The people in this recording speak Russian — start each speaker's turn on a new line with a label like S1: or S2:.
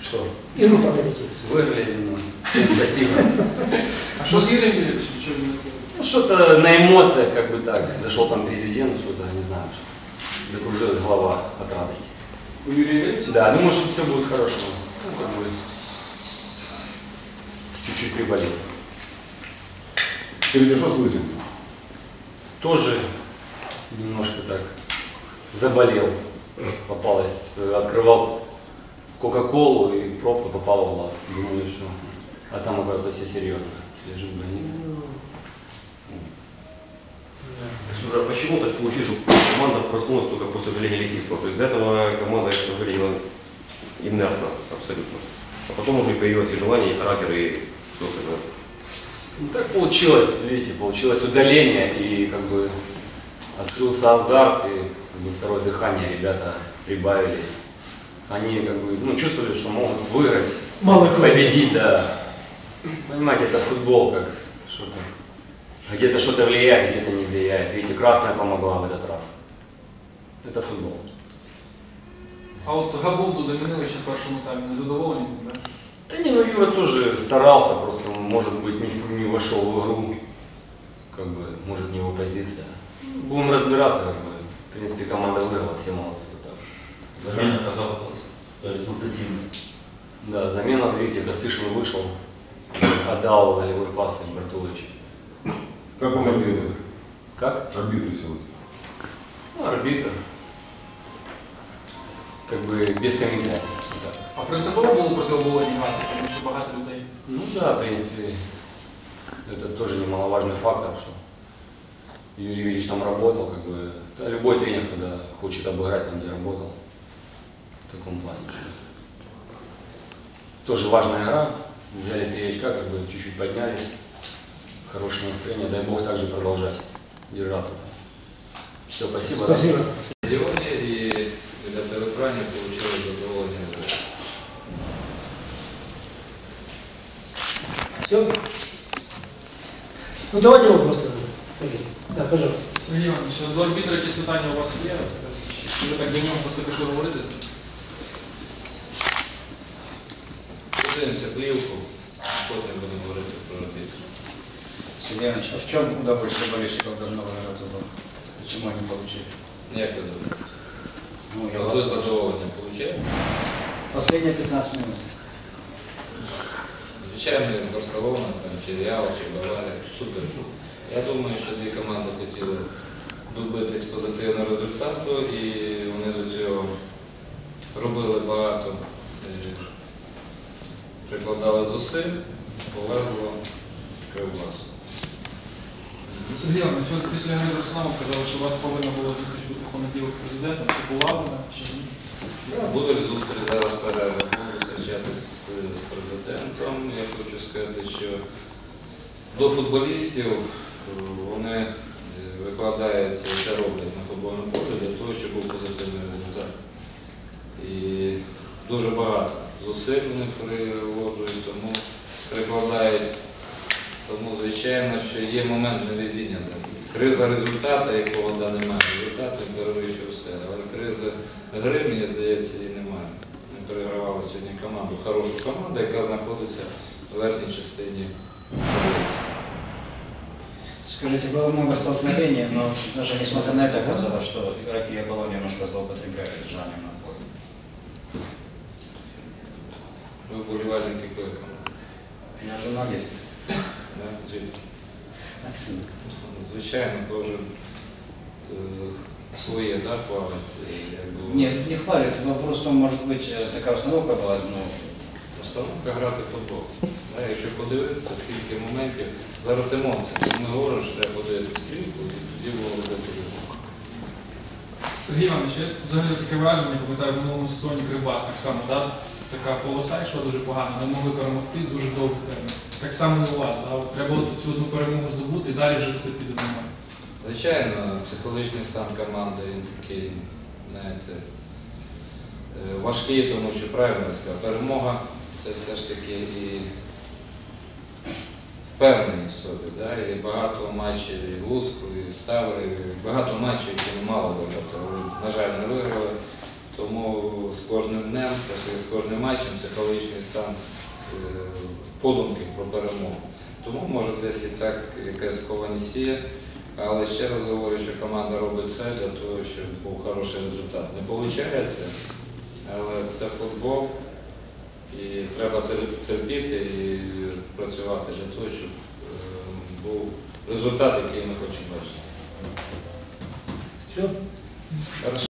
S1: Что?
S2: Игру прокомментируйте.
S1: Выиграли, ну, спасибо.
S3: А что с Юрием Юрьевичем? Что не было?
S1: Ну, что-то на эмоциях, как бы так. Зашел там президент, что-то, не знаю, что закружилась голова от радости.
S3: У Юрия Юрьевича?
S1: Да, думаю, что все будет хорошо. Ну, как бы, чуть-чуть приболел.
S4: Скажите, что с лысым?
S1: Тоже немножко так заболел. Попалась, открывал Кока-Колу и пробка попала в глаз. Думаю, что... А там, оказывается, все серьезно. Лежу в больнице.
S5: Слушай, а почему так получилось, что команда проснулась только после удаления Лисицкого? То есть до этого команда выглядела инертно абсолютно. А потом уже появилось и желание, и характер, и все остальное.
S1: Ну, так получилось, видите, получилось удаление, и как бы открылся азарт, и как бы второе дыхание ребята прибавили. Они как бы, ну, чувствовали, что могут выиграть, победить, да. Понимаете, это футбол, как что-то. Где-то что-то влияет, где-то не влияет. Видите, красная помогла в этот раз. Это футбол.
S3: А от Габовду замінили ще в першому таймі. Незадоволені, да?
S1: Да не, ну Юра тоже старался, просто, может быть, не вошел в игру. Как бы, может, не его позиция. Будем разбираться, как бы. В принципе, команда выиграла, все молодцы.
S6: Замена оказалась результативной.
S1: Да, замена, видите, Костышин вышел, отдал волевой пас Бартулович.
S4: Как он арбитр?
S1: Как?
S4: Арбитр сегодня.
S1: Ну, арбитр. Как бы без комментариев. Да.
S3: А принципово було проти оболоні грати, тому що багато людей.
S1: Ну да, в принципе, это тоже немаловажный фактор, что Юрий Юрьевич там работал, как бы, да, любой тренер, когда хочет обыграть там, где работал, в таком плане. Что тоже важная игра, взяли 3 очка, как бы чуть-чуть поднялись, хорошее настроение, дай Бог также продолжать держаться там. Все, спасибо.
S2: Спасибо.
S7: Леоне и ребята в экране получили задоволение.
S2: Все? Ну давайте вопросы. Да, пожалуйста.
S3: Сергій Іванович, до арбітра якісь питання у вас є? Чи ви так до нього просто пішли говорити?
S7: Подивимося плівку, потім будемо говорити про арбітра.
S8: Сергей Иванович, а в чем удовольствие болельщиков должно выражаться было? Почему они получили?
S7: Як ви думаєте?
S8: Ну, я
S7: Ви
S8: вас
S7: задоволення получаєте?
S8: Последние 15 минут.
S7: Звичайно, Барселона, там, чи Реал, чи Баварія, супер. Я думаю, що дві команди хотіли добитись позитивного результату і вони з цього робили багато, прикладали зусиль, повезло Кривбасу.
S3: Сергій Іванович, ви після гри з Арсеналом казали, що у вас повинна була зустріч бути в понеділок з президентом. Чи була вона, чи ні?
S7: Буде зустріч зараз перерва, буду зустрічатися з президентом. Я хочу сказати, що до футболістів вони викладаються і це роблять на футбольному полі для того, щоб був позитивний результат. І дуже багато зусиль вони приложують, тому прикладають. Тому, звичайно, що є момент невезіння. Криза результату, якого немає. Результату перевищує все. Але криза гри, мені здається, її немає. Ми перегравали сьогодні команду, хорошу команду, яка знаходиться в верхній частині таблиці.
S8: Скажите, было много столкновений, но даже несмотря на это оказалось, что игроки Оболони немножко злоупотребляли держанием на поле.
S7: Ви вболівальник якої команди?
S8: Я журналист.
S7: Да? Звідки?
S8: Отсюда.
S7: Звичайно, кожен своє, да, хвалить.
S8: Нет, не хвалят. Вопрос в том, может быть, такая установка была, ну,
S7: Установка грати в футбол. Да, якщо подивитися, скільки моментів, зараз емоції. Ми говоримо, що треба подивитися кліпку, і тоді було робити.
S3: Сергій Іванович, я взагалі таке враження, пам'ятаю, в минулому сезоні Кривбас так само, да? Така полоса йшла дуже погано, не могли перемогти дуже довго термін. Так само і у вас, да? От треба цю одну перемогу здобути і далі вже все піде нормально.
S7: Звичайно, психологічний стан команди, він такий, знаєте, важкий, тому що правильно я сказав, перемога це все ж таки і впевненість в собі. Да? І багато матчів і в Луцьку, і в Ставрі, багато матчів, які не мали виграти, але, на жаль, не виграли. Тому з кожним днем, з кожним матчем психологічний стан подумки про перемогу. Тому може десь і так якась скованість є, але ще раз говорю, що команда робить все для того, щоб був хороший результат. Не виходить, але це футбол і треба терпіти і працювати для того, щоб був результат, який ми хочемо бачити.
S2: Все?